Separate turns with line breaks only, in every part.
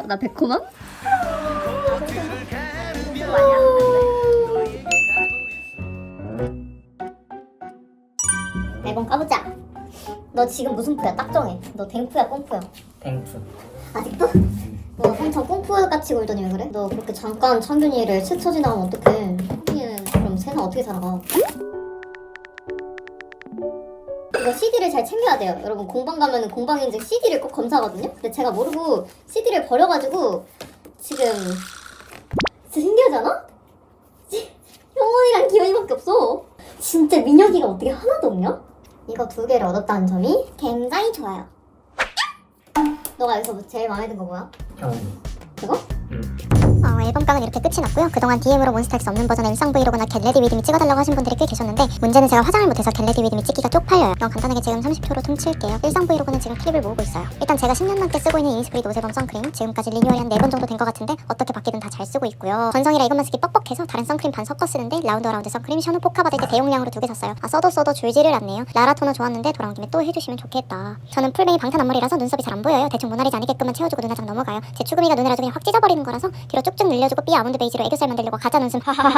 나 백호만?
앨범 까보자. 너 지금 무슨 푸야? 딱 정해. 너 댕푸야 꽁푸야?
땡프.
아직도? 너 엄청 꽁푸같이 굴더니 왜 그래? 너 그렇게 잠깐 창균이를 스쳐 지나가면 어떡해. 창균이는 그럼 새는 어떻게 살아가? 이거 CD를 잘 챙겨야 돼요. 여러분 공방 가면은 공방 인증 CD를 꼭 검사하거든요? 근데 제가 모르고 CD를 버려가지고 지금 진짜 신기하잖아? 형원이랑 기현이밖에 없어. 진짜 민혁이가 어떻게 하나도 없냐? 이거 2개를 얻었다는 점이 굉장히 좋아요. 너가 여기서 제일 마음에 든 거 뭐야?
형.
이거?
응.
앨범깡은 이렇게 끝이 났고요. 그동안 DM으로 몬스타엑스 없는 버전의 일상 브이로그나 겟레디 위드미 찍어달라고 하신 분들이 꽤 계셨는데 문제는 제가 화장을 못해서 겟레디 위드미 찍기가 쪽팔려요. 그럼 간단하게 지금 30초로 퉁칠게요. 일상 브이로그는 지금 클립을 모으고 있어요. 일단 제가 10년 넘게 쓰고 있는 이니스프리 노세범 선크림 지금까지 리뉴얼이 한 4번 정도 된 것 같은데 어떻게 바뀌든 다 잘 쓰고 있고요. 건성이라 이것만 쓰기 뻑뻑해서 다른 선크림 반 섞어 쓰는데 라운드 어라운드 선크림 샤누 포카 받을 때 대용량으로 2개 샀어요. 써도 줄지를 않네요. 라라 토너 좋았는데 돌아온 김에 또 해주시면 좋겠다. 저는 풀뱅이 방탄 앞머리라서 눈썹이 잘 안 보여요. 대충 모나리자 아니게끔만 채워주고 눈화장 넘어가요. 제 추구미가 눈을 아주 그냥 확 찢어버리는 거라서 뒤로 쭉쭉 늘려주고 삐 아몬드 베이지로 애교살 만들려고 가짜 눈썹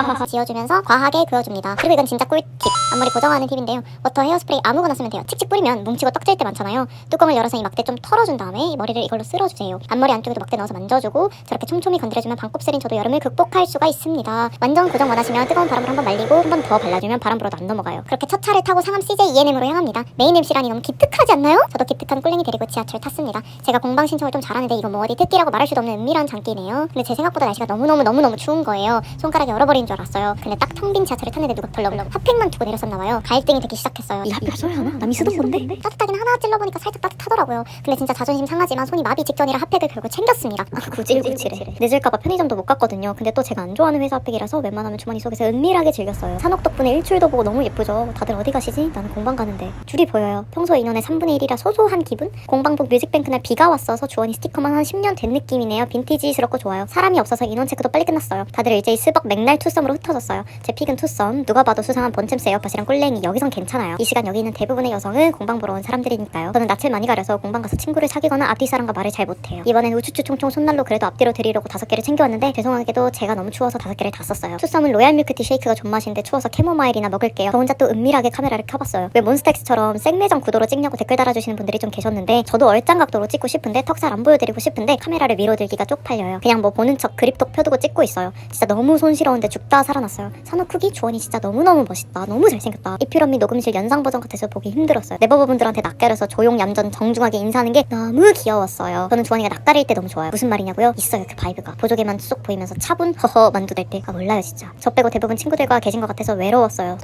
지어주면서 과하게 그어줍니다. 그리고 이건 진짜 꿀팁. 앞머리 고정하는 팁인데요. 워터 헤어스프레이 아무거나 쓰면 돼요. 칙칙 뿌리면 뭉치고 떡질 때 많잖아요. 뚜껑을 열어서 이 막대 좀 털어준 다음에 이 머리를 이걸로 쓸어주세요. 앞머리 안쪽에도 막대 넣어서 만져주고 저렇게 촘촘히 건드려주면 반곱슬인 저도 여름을 극복할 수가 있습니다. 완전 고정 원하시면 뜨거운 바람으로 한번 말리고 한 번 더 발라주면 바람 불어도 안 넘어가요. 그렇게 첫 차를 타고 상암 CJ ENM으로 향합니다. 메인 MC라니 너무 기특하지 않나요? 저도 기특한 꿀랭이 데리고 지하철 탔습니다. 제가 공방 신청을 좀 잘하는데 이거 뭐 어디 특기라고 말할 수도 없는 은밀한 장기네요. 근데 제 생각보다 날씨가 너무너무 추운 거예요. 손가락이 얼어버린 줄 알았어요. 근데 딱 텅 빈 지하철을 탔는데 누가 덜렁 핫팩만 두고 내렸었나봐요. 갈등이 되기 시작했어요.
이 핫팩 써야 하나? 남이 쓰던 건데?
따뜻하긴 하나 찔러보니까 살짝 따뜻하더라고요. 근데 진짜 자존심 상하지만 손이 마비 직전이라 핫팩을 결국 챙겼습니다. 구질구질해. 늦을까봐 편의점도 못 갔거든요. 근데 또 제가 안 좋아하는 회사 핫팩이라서 웬만하면 주머니 속에서 은밀하게 즐겼어요. 산옥 덕분에 일출도 보고 너무 예쁘죠. 다들 어디 가시지? 나는 공방 가는데. 줄이 보여요. 평소 인원의 3분의 1이라 소소한 기분? 공방복 뮤직뱅크 날 비가 왔어서 주원이 스티커만 한 10년 된 느낌이네요. 빈티지스럽고 좋아요. 사람이 없어서 인원 체크도 빨리 끝났어요. 다들 일제히 스벅 맥날 투썸으로 흩어졌어요. 제 픽은 투썸. 누가 봐도 수상한 번챔스 에어팟이랑 꿀랭이. 여기선 괜찮아요. 이 시간 여기 있는 대부분의 여성은 공방 보러 온 사람들이니까요. 저는 낯을 많이 가려서 공방 가서 친구를 사귀거나 앞뒤 사람과 말을 잘 못해요. 이번엔 우추추 총총 손난로 그래도 앞뒤로 드리려고 5개를 챙겨왔는데 죄송하게도 제가 너무 추워서 5개를 다 썼어요. 투썸은 로얄 밀크티 쉐이크가 존맛인데 추워서 캐모마일이나 먹을게요. 저 혼자 또 은밀하게 카메라를 켜봤어요. 왜 몬스타엑스처럼 생매장 구도로 찍냐고 댓글 달아주시는 분들이 좀 계셨는데 저도 얼짱 각도로 찍고 싶은데 턱살 안 보여드리고 싶은데 카메라를 위로 들기가 쪽팔려요. 그냥 뭐 보는 척 그립톡 펴두고 찍고 있어요. 진짜 너무 손시러운데 죽다 살아났어요. 산호 크기 주원이 진짜 너무너무 멋있다. 너무 잘생겼다. 이필언미 녹음실 연상 버전 같아서 보기 힘들었어요. 네버버분들한테 낯가려서 조용 얌전 정중하게 인사하는 게 너무 귀여웠어요. 저는 주원이가 낯가릴 때 너무 좋아요. 무슨 말이냐고요? 있어요 그 바이브가. 보조개만 쏙 보이면서 차분 허허 만두될 때. 아 몰라요 진짜. 저 빼고 대부분 친구들과 계신 것 같아서 외로웠어요.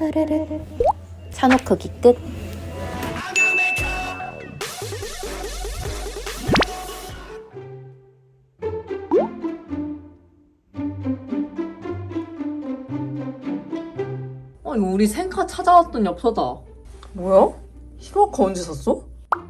산호 크기 끝.
이거 우리 생카 찾아왔던 엽서다.
뭐야? 히로아카 언제 샀어?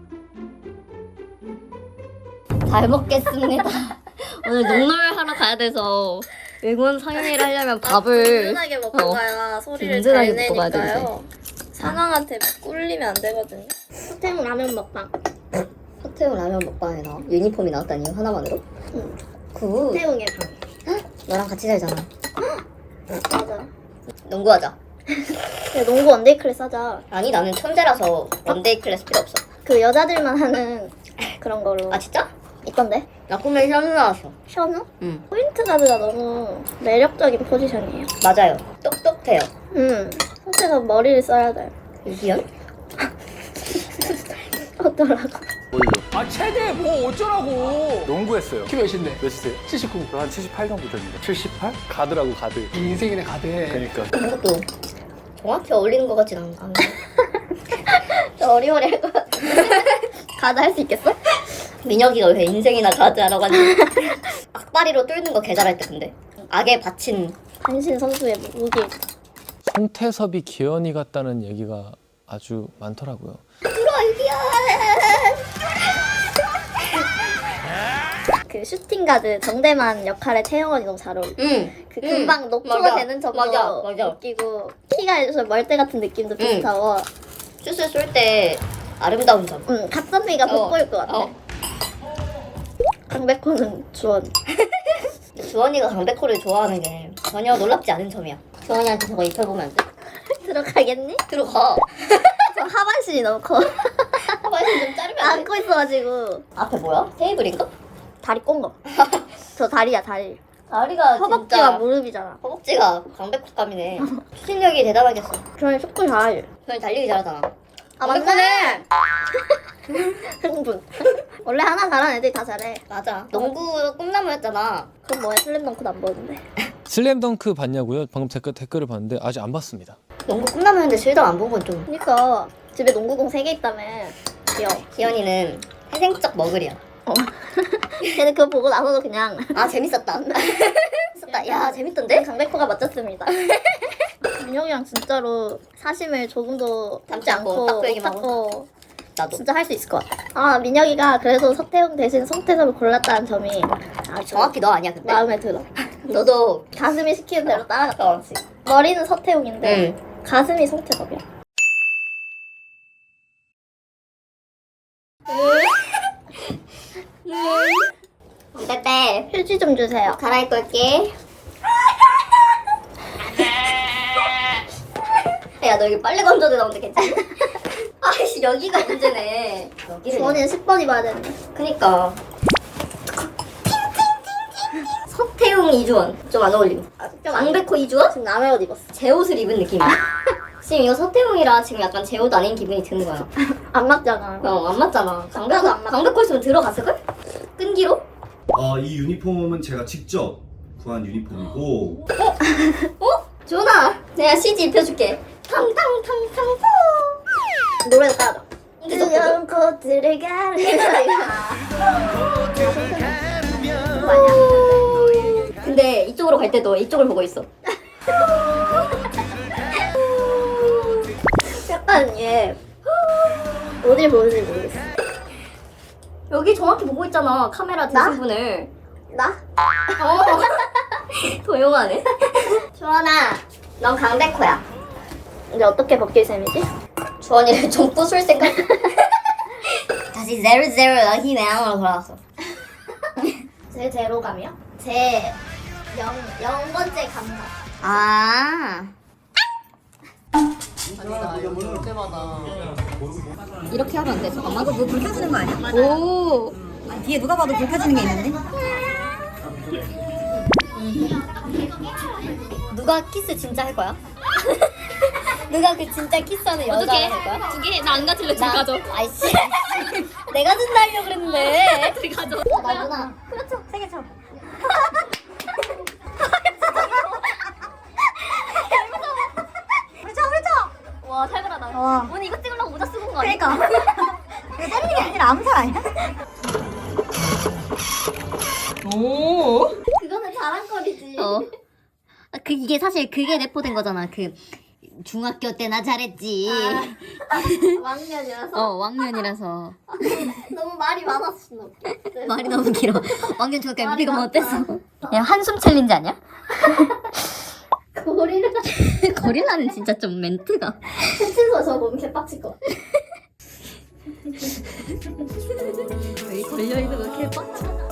잘 먹겠습니다.
오늘 농놀 하러 가야 돼서 외국인 상영회를 하려면 밥을
든든하게 먹고 가야 소리를
든든하게
잘
먹고 가야
내니까요. 상황한테 꿀리면 안 되거든요.
호텔 라면 먹방. 호텔 라면 먹방에 나와? 유니폼이 나왔다니 하나만으로?
응.
굿.
태웅의 방.
너랑 같이 살잖아.
맞아.
농구하자.
야, 농구 원데이 클래스 하자.
아니 나는 천재라서 원데이 클래스 필요 없어.
그 여자들만 하는 그런 거로.
아 진짜?
있던데?
나 꿈에 현우 나왔어.
션우?
응.
포인트 가드가 너무 매력적인 포지션이에요.
맞아요. 똑똑해요.
호텔에서 머리를 써야 돼.
이기현?
어쩌라고.
아 최대 뭐 어쩌라고 농구했어요. 키 몇인데? 몇이세요? 79. 한 78 정도 됩니다. 78? 가드라고 가드.
인생이네 가대.
그러니까
이것도 정확히 어울리는 것 같진 않아.
어리어리 할 것 같아. 가드 할 수 있겠어?
민혁이가 왜 인생이나 가드하러 가지? 악바리로 뚫는 거 개잘할 때 근데 악에 바친
단신 선수의 무기.
송태섭이 기현이 같다는 얘기가 아주 많더라고요.
그 슈팅 가드 정대만 역할의 태영원이 너무 잘 어울려. 그 금방 녹초가
맞아.
되는 척도
맞아.
웃기고 키가 좀 멀대 같은 느낌도 비슷하고.
슛을 쏠 때 아름다운 점.
갓선미가 돋보일 것 같아. 강백호는 주원.
주원이가 강백호를 좋아하는 게 전혀 놀랍지 않은 점이야. 주원이한테 저거 입혀보면 안 돼?
들어가겠니?
들어가.
저 하반신이 너무 커.
하반신 좀 자르면 안 돼?
안고 있어가지고.
앞에 뭐야? 테이블인가?
다리 꼰 거. 저 다리야 다리.
다리가
허벅지가
진짜
무릎이잖아.
허벅지가 강백호감이네. 추진력이 대단하겠어.
저는 축구 잘하지.
주원이 달리기 잘하잖아.
아 맞네. 흥분. 원래 하나 잘하는 애들이 다 잘해.
맞아. 농구 꿈나무였잖아.
그럼 뭐야 슬램덩크도 안 보는데.
슬램덩크 봤냐고요? 방금 댓글을 봤는데 아직 안 봤습니다.
농구 꿈나무였는데 실감 안 본 건 좀.
그니까 집에 농구공 3개 있다며. 귀여워.
기현이는 회생적 머글이야.
걔는 그거 보고 나서도 그냥
아 재밌었다. 재밌었다. 야 재밌던데?
강백호가 멋졌습니다. 민혁이랑 진짜로 사심을 조금도 담지
담지 않고
않고
딱 그 얘기만
고
나도.
진짜 할 수 있을 것 같아. 아 민혁이가 그래도 서태웅 대신 송태섭을 골랐다는 점이 아주
정확히 너 아니야 근데?
마음에 들어.
너도
가슴이 시키는 대로 따라갔다 왔지. 머리는 서태웅인데 가슴이 송태섭이야.
빼빼
휴지 좀 주세요.
갈아입고 올게. 야 너 여기 빨래 건조대 나오는데 괜찮아? 아이씨 여기가 문제네. 여기를.
주원이는 10번 입어야 되는데.
그니까. 서태웅 이주원 좀 안 어울림. 강백호 이주원?
지금 남의 옷 입었어.
제 옷을 입은 느낌이야. 지금 이거 서태웅이라 지금 약간 제 옷 아닌 기분이 드는 거야.
안 맞잖아.
안 맞잖아.
나도 안 맞아.
강백호 있으면 들어갔을걸? 끈기로?
이 유니폼은 제가 직접 구한 유니폼이고
주원아 내가 CG 입혀줄게. 탕탕탕탕탕.
노래도 따라.
두려운
꽃들을 가르.
근데 이쪽으로 갈 때도 이쪽을 보고 있어.
약간 얘 어딜 보는지 모르겠어.
여기 정확히 보고 있잖아. 카메라
나?
드신 분을.
나?
도용하네. 주원아 넌 강백호야.
이제 어떻게 벗길 셈이지?
주원이를 좀 부술 생각. 다시 00 럭키 내양으로 돌아왔어.
제 제로감이요? 제 0번째 감각.
아
아니다 이거 볼 때마다
이렇게 하면 안 돼. 잠깐만.
뭐 불 켜지는 거 아니야?
오.
뒤에 누가 봐도 불 켜지는 게 있는데?
누가 키스 진짜 할 거야? 누가 그 진짜 키스하는 여자 할 거야?
2개? 나 안 가질래.
나 가져. 아이씨. 내가 준다 하려고 그랬는데. 둘 가져. 나구나.
그렇죠. 생일 처음. 와 살벌하다. 오늘 이거 찍으려고 모자 쓰고 온 거 아니야?
그러니까 이거 때리는 게 아니라 암살 아니야?
그거는 자랑거리지.
이게 사실 그게 내포된 거잖아. 그 중학교 때 나 잘했지.
왕년이라서
왕년이라서.
너무 말이 많았어. 너.
말이 너무 길어. 왕년 중학교 MB가 뭐 어땠어? 야 한숨 챌린지 아니야?
고리를
거리나는 진짜 좀 멘트가.
훔쳐서 저 보면 개빡칠 것 같아.
여기 걸려있는 거 개빡쳐.